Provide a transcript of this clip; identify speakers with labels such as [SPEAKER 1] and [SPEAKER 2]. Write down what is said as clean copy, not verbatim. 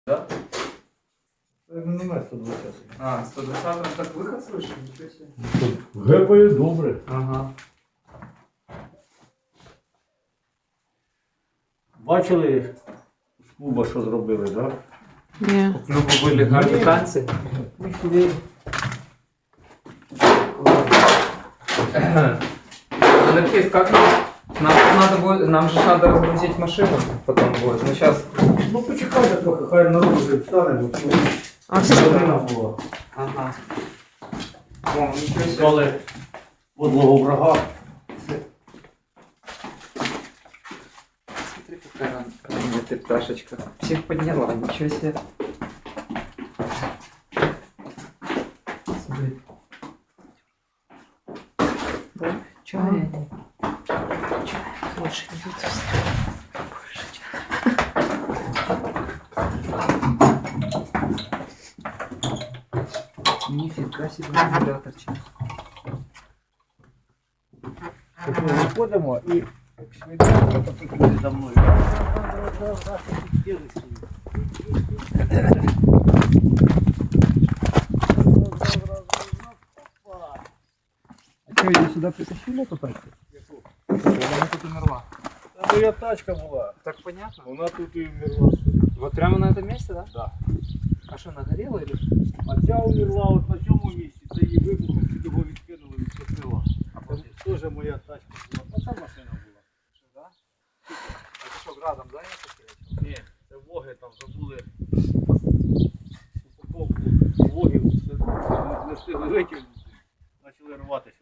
[SPEAKER 1] Да?
[SPEAKER 2] Міномет 120.
[SPEAKER 1] А, 120 так выход слышишь? Ничего себе.
[SPEAKER 2] Гепає добре.
[SPEAKER 1] Ага.
[SPEAKER 2] Бачили з клуба, що зробили, так? Да?
[SPEAKER 3] Ні.
[SPEAKER 1] У клуба были гарні танці.
[SPEAKER 2] Ми сюди.
[SPEAKER 1] Анархист, как нам же надо разгрузить машину потом будет. Ну сейчас.
[SPEAKER 2] Ну почекайте трохи, хай народ вже встане, бо це
[SPEAKER 3] А все
[SPEAKER 2] година була.
[SPEAKER 1] Ага. О, ничего себе.
[SPEAKER 2] Коли подлого врага.
[SPEAKER 1] Смотри, какая она, ты пташечка. Всех подняла, ничего себе. Смотри.
[SPEAKER 3] Да?
[SPEAKER 1] Чего они?
[SPEAKER 3] Больше не будет.
[SPEAKER 1] Нифига себе аккумуляторчик.
[SPEAKER 2] Тобто ми виходимо і швидко потрібно за мною.
[SPEAKER 1] А что, ее сюда притащили эту тачку? Она тут умерла.
[SPEAKER 2] Це моя тачка була.
[SPEAKER 1] Так понятно?
[SPEAKER 2] Вона тут і вмерла.
[SPEAKER 1] Вот прямо на этом месте, да?
[SPEAKER 2] Да.
[SPEAKER 1] А что, она горела или?
[SPEAKER 2] А ця умерла от на цьому місці. Це її вибухом під його відкинули, відчепила. Це теж моя тачка була. Оця машина була.
[SPEAKER 1] Что, да? Это что, градом, да, я такие?
[SPEAKER 2] Ні, це воги там забули упаковку вогів, не встигли витягнути, почали рватися.